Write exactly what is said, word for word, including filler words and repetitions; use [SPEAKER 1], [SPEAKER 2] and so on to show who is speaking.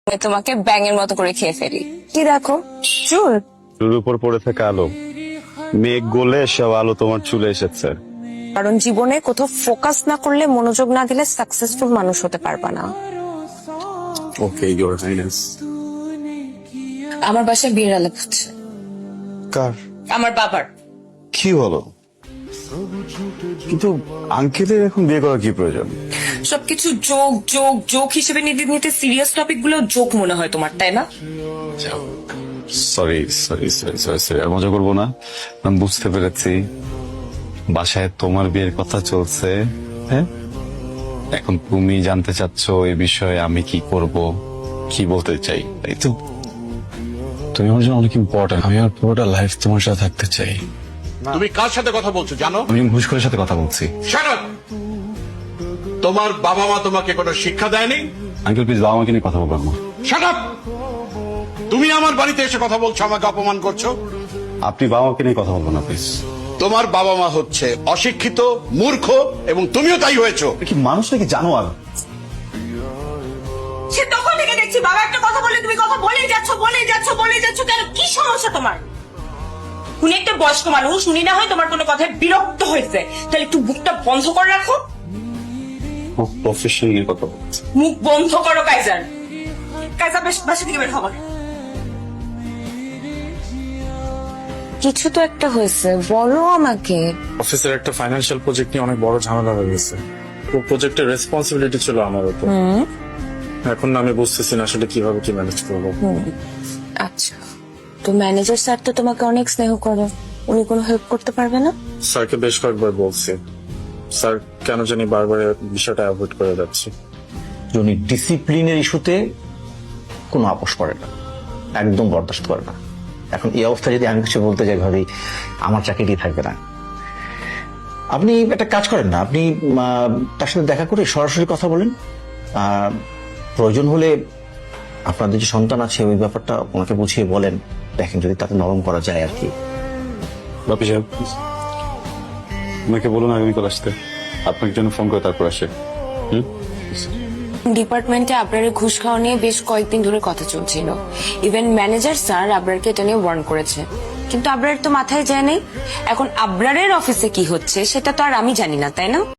[SPEAKER 1] তোমাকে ব্যাঙের মতো করে খেয়ে ফেলি। কি দেখো চুল
[SPEAKER 2] চুলের উপর পড়ে থাকা আলো, মেঘ গলে সব আলো তোমার চুলে এসেছে।
[SPEAKER 1] কারণ জীবনে কোথাও ফোকাস না করলে, মনোযোগ না দিলে সাকসেসফুল মানুষ হতে পারবা না।
[SPEAKER 2] Okay your highness.
[SPEAKER 1] আমার বাসায় বিয়ের আলাপ হচ্ছে।
[SPEAKER 2] কার?
[SPEAKER 1] আমার বাবার।
[SPEAKER 2] কি বলো? কিন্তু আঙ্কেলের এখন বিয়ে করার কি প্রয়োজন?
[SPEAKER 1] সবকিছু যোগ যোগ যোগ হিসেবে নিতে নিতে সিরিয়াস টপিক গুলো যোগ মনে হয় তোমার, তাই না?
[SPEAKER 2] Sorry sorry sorry sorry sorry আর মজা করবো না। আমি বুঝতে পেরেছি বাসায় তোমার বিয়ের কথা চলছে। হ্যাঁ, এখন তুমি জানতে চাচ্ছ এই বিষয়ে আমি কি করব, কি বলতে চাই, তাই তো? তুমি আমার জন্য অনেক ইম্পর্টেন্ট। আমি আমার পুরোটা লাইফ তোমার সাথে থাকতে চাই।
[SPEAKER 3] তুমি কার সাথে কথা বলছো জানো?
[SPEAKER 2] আমি ঘুষখোরের সাথে কথা বলছি।
[SPEAKER 3] Shut up! তোমার বাবা মা তোমাকে কোনো শিক্ষা দেয়নি?
[SPEAKER 2] আঙ্কেল প্লিজ বাবা মাকে নিয়ে কথা বলবেন না।
[SPEAKER 3] Shut up! তুমি আমার বাড়িতে এসে কথা বলছো, আমাকে অপমান করছো।
[SPEAKER 2] আপনি বাবা মাকে নিয়ে কথা বলবেন না প্লিজ।
[SPEAKER 3] তোমার বাবা মা হচ্ছে অশিক্ষিত, মূর্খ এবং তুমিও তাই হয়েছো।
[SPEAKER 2] কি মানুষ নাকি জানোয়ার?
[SPEAKER 1] সে তখন থেকে দেখছি বাবা একটা কথা বলে তুমি কথা বলেই যাচ্ছ বলেই যাচ্ছ বলেই যাচ্ছ কেন? কি সমস্যা তোমার? উনি একটা বয়স্ক মানুষ, উনি না হয় তোমার কোনো কথায় বিরক্ত হয়েছে, তাহলে একটু মুখটা বন্ধ করে রাখো।
[SPEAKER 2] প্রফেশন নিয়ে কথা বলছি।
[SPEAKER 1] মুখ বন্ধ করো কাইজার। কাইজার বেশ বাসা থেকে বের হবার। কিছু তো একটা হয়েছে, বলো আমাকে।
[SPEAKER 4] অফিসের একটা ফাইন্যান্সিয়াল প্রজেক্ট নিয়ে অনেক বড় ঝামেলা হয়ে গেছে। পুরো প্রজেক্টের রেসপন্সিবিলিটি ছিল আমার উপর। এখন না আমি বুঝতেছি না আসলে কিভাবে কি ম্যানেজ করবো।
[SPEAKER 1] আচ্ছা, তো ম্যানেজার স্যার তো তোমাকে অনেক স্নেহ করে, উনি কোনো হেল্প করতে পারবে না?
[SPEAKER 4] স্যারকে বেশ কয়েকবার বলছি, স্যার কেন জানি বারবার বিষয়টা অ্যাভয়েড করে যাচ্ছে।
[SPEAKER 5] উনি ডিসিপ্লিনের ইস্যুতে কোনো আপোষ করে না, একদম বরদাস্ত করে না। এখন এই অবস্থা যদি আমি কিছু বলতে যাই ভাবি আমার চাকরিটি থাকবে না। আপনি একটা কাজ করেন না, আপনি আহ, তার সাথে দেখা করে সরাসরি কথা বলেন। আহ, প্রয়োজন হলে আপনাদের যে সন্তান আছে ওই ব্যাপারটা ওনাকে বুঝিয়ে বলেন, দেখেন যদি তাতে নরম করা যায় আর কি।
[SPEAKER 2] বাপি সাহেব, ওনাকে বলুন আগামীকাল আসতে। আপনাকে জন্য ফোন করে তারপর আসে। হুম,
[SPEAKER 1] ডিপার্টমেন্টে আবরারের ঘুষ খাওয়া নিয়ে বেশ কয়েকদিন ধরে কথা চলছিল। ইভেন ম্যানেজার স্যার আবরারকে এটা নিয়ে ওয়ার্ন করেছে, কিন্তু আবরার তো মাথায় যায় নেই। এখন আবরারের অফিসে কি হচ্ছে সেটা তো আর আমি জানি না, তাই না?